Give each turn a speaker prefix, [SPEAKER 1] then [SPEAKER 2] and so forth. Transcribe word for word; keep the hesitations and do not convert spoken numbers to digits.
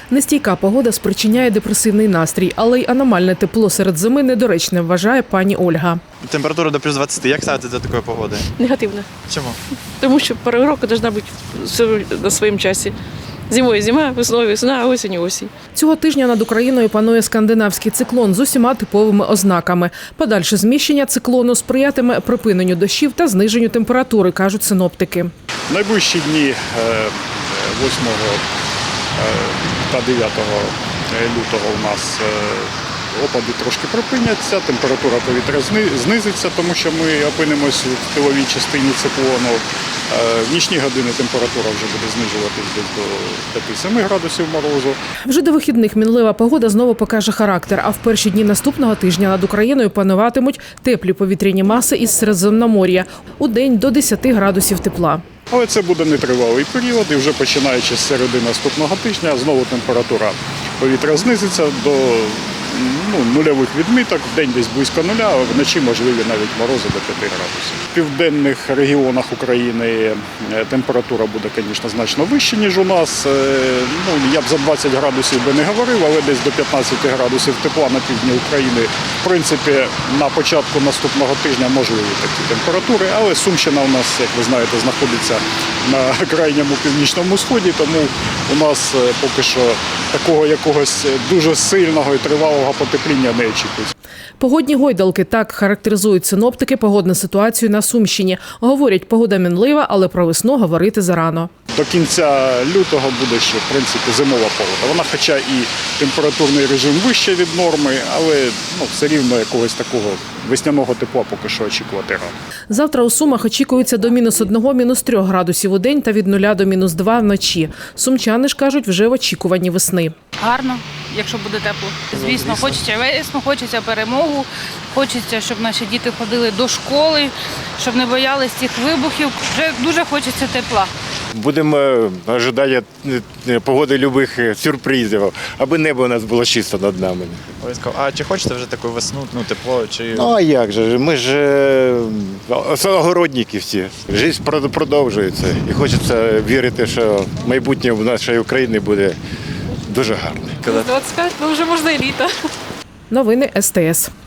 [SPEAKER 1] Нестійка погода спричиняє депресивний настрій, але й аномальне тепло серед зими недоречне, вважає пані Ольга.
[SPEAKER 2] Температура до плюс двадцяти. Як ставитися до такої погоди?
[SPEAKER 3] Негативно.
[SPEAKER 2] Чому?
[SPEAKER 3] Тому що пора року повинна бути все на своєму часі. Зимою зима, весною весна, а осінь осінь.
[SPEAKER 1] Цього тижня над Україною панує скандинавський циклон з усіма типовими ознаками. Подальше зміщення циклону сприятиме припиненню дощів та зниженню температури, кажуть синоптики.
[SPEAKER 4] Найближчі дні восьмого та дев'ятого лютого у нас опади трошки припиняться, температура повітря знизиться, тому що ми опинимося в тиловій частині циклону. В нічні години температура вже буде знижуватись десь до п'яти-семи градусів морозу.
[SPEAKER 1] Вже до вихідних мінлива погода знову покаже характер, а в перші дні наступного тижня над Україною пануватимуть теплі повітряні маси із Середземномор'я. У день до десяти градусів тепла.
[SPEAKER 4] Але це буде нетривалий період, і вже починаючи з середи наступного тижня знову температура повітря знизиться до ну, нульових відміток, в день десь близько нуля, а вночі можливі навіть морози до п'яти градусів. В південних регіонах України температура буде, звісно, значно вища, ніж у нас. Ну, я б за двадцять градусів би не говорив, але десь до п'ятнадцяти градусів тепла на півдні України. В принципі, на початку наступного тижня можливі такі температури, але Сумщина у нас, як ви знаєте, знаходиться на крайньому північному сході, тому у нас поки що такого якогось дуже сильного і тривалого потепління не очікується.
[SPEAKER 1] Погодні гойдалки – так характеризують синоптики погодну ситуацію на Сумщині. Говорять, погода мінлива, але про весну говорити зарано.
[SPEAKER 4] До кінця лютого буде ще, в принципі, зимова погода. Вона хоча і температурний режим вище від норми, але ну, все рівно якогось такого весняного тепла поки що очікувати рано.
[SPEAKER 1] Завтра у Сумах очікується до мінус одного, мінус трьох градусів у день та від нуля до мінус два вночі. Сумчани ж кажуть, вже в очікуванні весни.
[SPEAKER 5] Гарно, якщо буде тепло. Звісно, хочеться весну, хочеться перемогу, хочеться, щоб наші діти ходили до школи, щоб не боялись цих вибухів. Вже дуже хочеться тепла.
[SPEAKER 6] Будемо чекати погоди любих сюрпризів, аби небо у нас було чисто над нами.
[SPEAKER 2] А чи хочете вже таку весну, ну, тепло? Чи...
[SPEAKER 6] Ну а як же, ми ж е, огородники всі. Життя продовжується і хочеться вірити, що майбутнє в нашій Україні буде дуже гарне.
[SPEAKER 3] двадцять п'ять, ну вже можна і літо.
[SPEAKER 1] Новини ес те ес.